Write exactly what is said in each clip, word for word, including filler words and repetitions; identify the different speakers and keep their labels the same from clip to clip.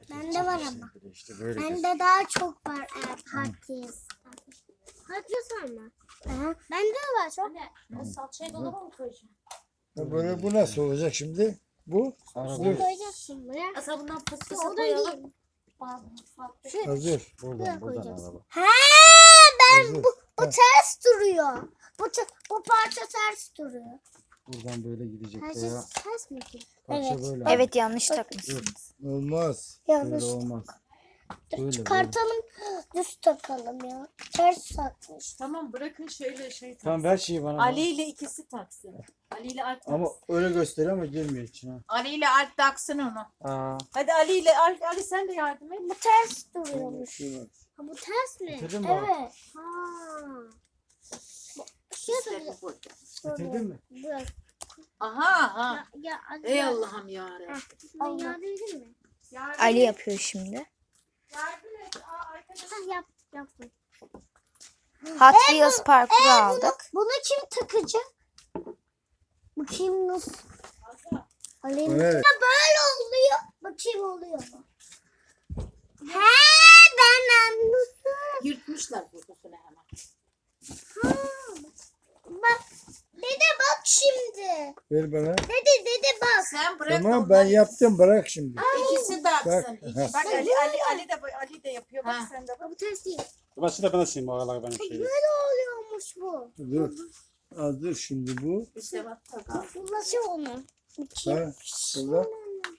Speaker 1: Bende var ama.
Speaker 2: İşte böyle.
Speaker 1: Bende daha çok var eğer partiyiz. Partiyiz var mı? Aha. Bende de var çok.
Speaker 3: Anne, o salçayı dolaba mı koyacaksın?
Speaker 2: Ya böyle bu nasıl olacak şimdi? Bu
Speaker 1: Bunu koyacaksın buraya.
Speaker 3: Asa bundan fıstığı
Speaker 1: Oradan
Speaker 3: koyalım.
Speaker 1: değil.
Speaker 3: Şu,
Speaker 2: hazır.
Speaker 1: Buraya
Speaker 2: Buradan buradan
Speaker 1: koyacaksın.
Speaker 2: alalım.
Speaker 1: He ben
Speaker 2: Hazır.
Speaker 1: bu, bu ters duruyor. Bu te- bu parça ters duruyor.
Speaker 2: Buradan böyle gidecek
Speaker 1: Ters,
Speaker 2: veya
Speaker 1: ters mi ki?
Speaker 2: parça
Speaker 1: Evet.
Speaker 2: böyle.
Speaker 4: Evet yanlış takmışsınız.
Speaker 2: Olmaz.
Speaker 1: Yanlış.
Speaker 2: Böyle olmaz.
Speaker 1: Dur,
Speaker 2: Böyle,
Speaker 1: çıkartalım. Düz takalım ya. Ters takmış.
Speaker 3: tamam bırakın şöyle şey taksın.
Speaker 2: Tamam ver şeyi bana.
Speaker 3: Ali ile ikisi taksın. Ali ile Alp taksın.
Speaker 2: Ama öyle gösteriyor ama girmiyor içine.
Speaker 3: Ali ile Alp taksın onu.
Speaker 2: Aa.
Speaker 3: Hadi Ali ile Alp, Ali sen de yardım et.
Speaker 1: Bu ters duruyormuş.
Speaker 2: Şurada.
Speaker 1: Ha, bu ters mi?
Speaker 2: Bitirdin mi?
Speaker 1: Evet. Ha. Bu şey
Speaker 3: İşte bu burada.
Speaker 2: Bitirdin mi?
Speaker 1: Biraz.
Speaker 3: Aha ha.
Speaker 1: Ya, ya, hadi
Speaker 3: Ey
Speaker 1: ya.
Speaker 3: Allah'ım yarabbim.
Speaker 1: Ben yardım edeyim mi?
Speaker 4: Ali yapıyor şimdi.
Speaker 3: Yardım et. Aa, arkadaşlar.
Speaker 1: Ha, yap, yapma.
Speaker 4: Hot Wheels parkuru aldık.
Speaker 1: Bunu kim takacak? Bakayım nasıl? Alayım.
Speaker 2: Evet.
Speaker 1: Ha, böyle oluyor. Bakayım oluyor mu? He ben anladım.
Speaker 3: Yırtmışlar burasını hemen.
Speaker 1: Ha, bak. Dede bak şimdi.
Speaker 2: Ver bana.
Speaker 1: Dede dede bak.
Speaker 3: Sen bırak da
Speaker 2: Tamam
Speaker 3: onlar
Speaker 2: ben yaptım bırak şimdi.
Speaker 3: İkisi taksın.
Speaker 2: Bak.
Speaker 3: İkisi. Bak Ali Ali Ali de Ali de yapıyor. Bak sen de bak.
Speaker 1: Bu ters değil.
Speaker 5: Başta ben açayım o aralar benim şeyi.
Speaker 1: Böyle oluyormuş bu.
Speaker 2: Dur. Az dur şimdi bu.
Speaker 3: İşte bak tak.
Speaker 1: Nasıl onu?
Speaker 2: Ha,
Speaker 1: Bakayım.
Speaker 2: burada.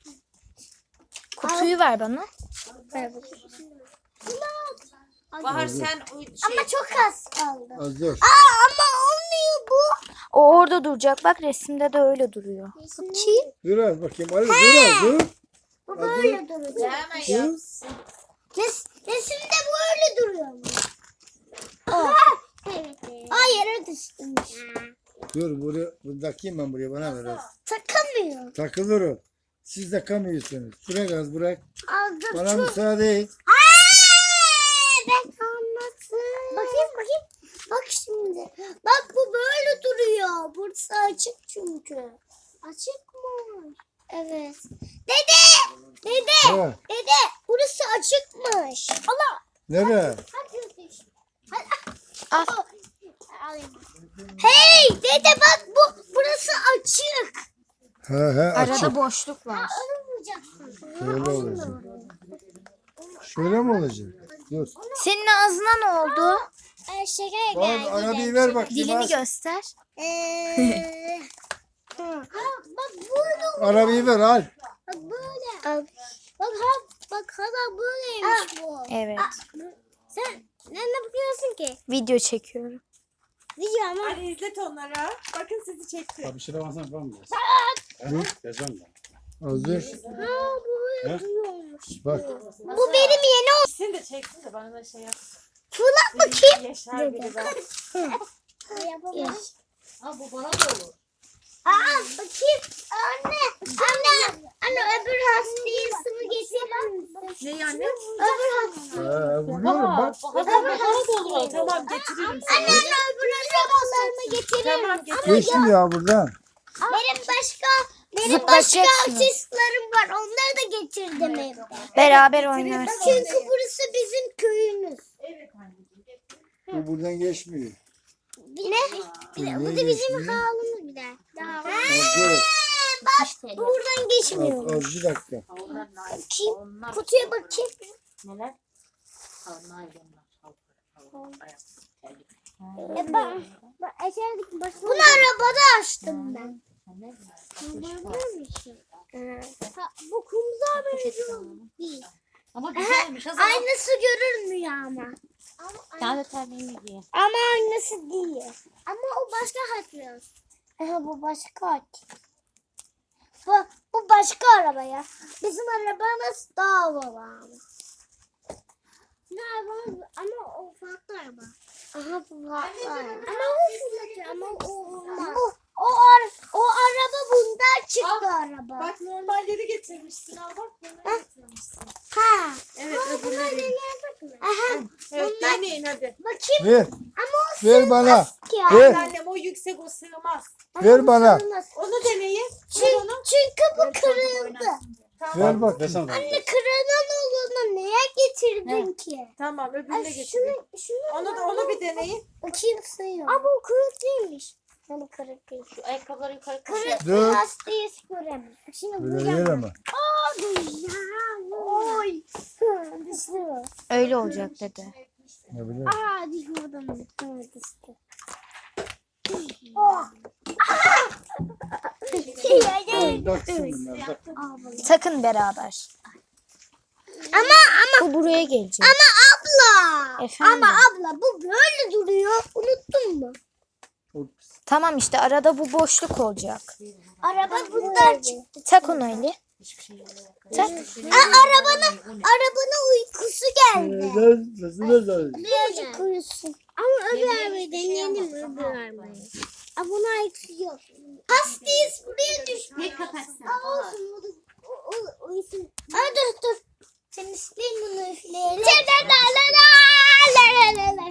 Speaker 4: Kutuyu ver bana.
Speaker 1: Ver bakayım.
Speaker 3: Bahar sen o şey.
Speaker 1: Ama çok az kaldı.
Speaker 2: Az dur.
Speaker 1: Aa ama olmuyor bu.
Speaker 4: O orada duracak. Bak resimde de öyle duruyor.
Speaker 1: Bakayım.
Speaker 2: Dur az bakayım. Ali dur az dur.
Speaker 1: Bu böyle duracak.
Speaker 3: Hemen yapsın.
Speaker 1: Res, resimde böyle duruyor mu? Oh. Evet. Aa yere düştümüş.
Speaker 2: Dur buraya. Bunu takayım ben buraya bana ver az.
Speaker 1: Takamıyor.
Speaker 2: Takılır o. Siz takamıyorsunuz. Bırak az bırak.
Speaker 1: Aldım
Speaker 2: Bana
Speaker 1: çok.
Speaker 2: müsaade et.
Speaker 1: Ben anladım. Bakayım bakayım. Bak şimdi. Bak bu böyle duruyor. Burası açık çünkü. Açık mı? Evet. Dede! Dede!
Speaker 2: Ha,
Speaker 1: Dede! Burası açıkmış. Allah!
Speaker 2: nereye?
Speaker 1: Hadi düş. Hadi.
Speaker 4: Al.
Speaker 1: Alayım. Hey! Dede bak bu burası açık.
Speaker 2: Ha ha açık.
Speaker 4: Arada boşluk var.
Speaker 1: Alınmayacaksın.
Speaker 2: Şöyle olacak. Şöyle mi olacak? Dur.
Speaker 4: Senin ağzına ne oldu?
Speaker 1: Ee, şeker
Speaker 2: Bak
Speaker 1: geldi.
Speaker 2: arabayı ver bakayım.
Speaker 4: Dilini
Speaker 2: az.
Speaker 4: göster.
Speaker 1: Eee. ha, bak böyle.
Speaker 2: Arabayı ver al.
Speaker 1: Bak böyle. Bak ha, bak hala böyleymiş bu.
Speaker 4: Evet.
Speaker 1: Sen ne bakıyorsun ki?
Speaker 4: Video çekiyorum.
Speaker 1: Video ama.
Speaker 3: Ali izlet onlara. Bakın sizi çekti.
Speaker 5: Abi bir şeyler varsa yapalım biraz.
Speaker 2: Dur.
Speaker 5: Yazacağım ben.
Speaker 2: Hazır.
Speaker 1: Ha bu böyle
Speaker 5: He?
Speaker 1: duyuyormuş.
Speaker 2: Bak.
Speaker 1: Bu benim yeni o.
Speaker 3: İkisini de çeksin de bana da şey yap.
Speaker 1: Fırlat bakayım.
Speaker 3: Yaşar biri ben.
Speaker 1: Yapamam.
Speaker 3: Ha bu bana da olur.
Speaker 1: Aa bakayım. Anne. Anne. Anne öbür hastayısını getirir misin?
Speaker 3: Ne anne?
Speaker 1: Öbür hasta.
Speaker 2: Ha, vuruyorum bak.
Speaker 3: Bana da bana da olur. Tamam getiririm
Speaker 1: Anne
Speaker 3: sana.
Speaker 1: anne öbür akrabalarımı getirir
Speaker 3: Tamam
Speaker 1: misin?
Speaker 3: getir.
Speaker 2: Geçtim ya buradan.
Speaker 1: Benim başka benim başka
Speaker 4: Zıplayacaksınız.
Speaker 1: artistlerim var. Onları da getirdim evde.
Speaker 4: Beraber oynarsın.
Speaker 1: Çünkü burası bizim köyümüz.
Speaker 3: Evet anneciğim. getir.
Speaker 2: Bu buradan geçmiyor.
Speaker 1: Bir ne? Bir de, bu da
Speaker 2: Niye
Speaker 1: bizim
Speaker 2: geçmiyor?
Speaker 1: halımız bir de.
Speaker 2: Az
Speaker 1: Bak buradan geçmiyor.
Speaker 2: dur. Az, az bir dakika.
Speaker 3: Ha, Onlar naylon.
Speaker 1: Bakayım.
Speaker 3: Onlar
Speaker 1: Kutuya bakayım.
Speaker 3: neler? Ha naylonlar. Ha, ha, ayak, terlik.
Speaker 1: E ben, ben eserdik başına. Bunu arabada açtım ben.
Speaker 3: Ha, ne güzel.
Speaker 1: Ha, bu kumsal benziyor değil.
Speaker 3: Ama güzelmiş. O zaman
Speaker 1: Aynısı görünmüyor ama.
Speaker 3: daha da terliğini giy.
Speaker 1: Ama aynısı değil. Ama o başka Hot Aha, bu başka Hot. Bu, bu başka araba ya. Bizim arabamız daha havalı ama. Ne arabamız ama o farklı araba. Aha bu farklı araba. Ama o fırlatıyor ama o olmaz. Bu, o, ar o araba bundan çıktı araba.
Speaker 3: Bak normalleri getirmişsin. Al bak bunları getirmişsin.
Speaker 1: Ha.
Speaker 3: Evet öbürleri.
Speaker 1: Deneyelim mi? Aha.
Speaker 3: Evet deneyin hadi.
Speaker 1: Bakayım.
Speaker 2: Ver.
Speaker 1: Ama o
Speaker 2: Ver bana.
Speaker 1: ki ya.
Speaker 2: Ver.
Speaker 3: Annem o yüksek o sığmaz.
Speaker 2: Ver bana.
Speaker 3: Onu deneyin.
Speaker 1: Çünkü, çünkü bu
Speaker 3: Evet, çocuk
Speaker 1: kırıldı.
Speaker 3: oynasın diye.
Speaker 2: Ver bak.
Speaker 5: Versene bana.
Speaker 1: Anne kırılan getirdin ki?
Speaker 3: Tamam öbürüne
Speaker 1: Ay,
Speaker 3: geçelim.
Speaker 1: şunu, şunu
Speaker 3: Onu da onu bir deneyin.
Speaker 1: bakayım sığıyor. Ama o kırık değilmiş. Yani kırık değil.
Speaker 3: Şu ayakkabıları yukarı
Speaker 1: Kırık
Speaker 3: koyalım.
Speaker 2: Dur.
Speaker 1: lastiği göremem. Şimdi
Speaker 2: Böyle
Speaker 1: bu
Speaker 2: yer
Speaker 1: yana.
Speaker 2: ama.
Speaker 1: Aa, dur ya. Oy. Düştü.
Speaker 4: Öyle olacak dedi.
Speaker 2: Ne bileyim.
Speaker 1: Aa, düşürdüm. Ha, düştü. Oh.
Speaker 5: Taksın bunlar. tak.
Speaker 4: Takın beraber.
Speaker 1: Ama ama
Speaker 4: Bu buraya gelecek.
Speaker 1: ama abla.
Speaker 4: Efendim?
Speaker 1: Ama abla bu böyle duruyor. Unuttun mu?
Speaker 4: Tamam işte arada bu boşluk olacak.
Speaker 1: Araba bundan çıktı.
Speaker 4: Tak onu Ali.
Speaker 3: Hiçbir şey yok.
Speaker 4: Tak.
Speaker 1: Aa, arabanın arabanın uykusu geldi. Birazcık uyusun. Ama öbür arabayı deneyelim öbür arabayı. Aa, buna uykusu yok. Hastis buraya düştü.
Speaker 3: Ne kapatsın?
Speaker 1: Aa, olsun o da o, o, uyusun. Aa, dur dur. Sen üfleyin bunu üfleyelim. La la la la la la.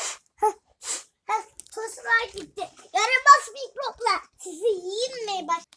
Speaker 1: Heh, toslar gitti. Yaramaz mikroplar. Sizi yiyeyim mi? Bak.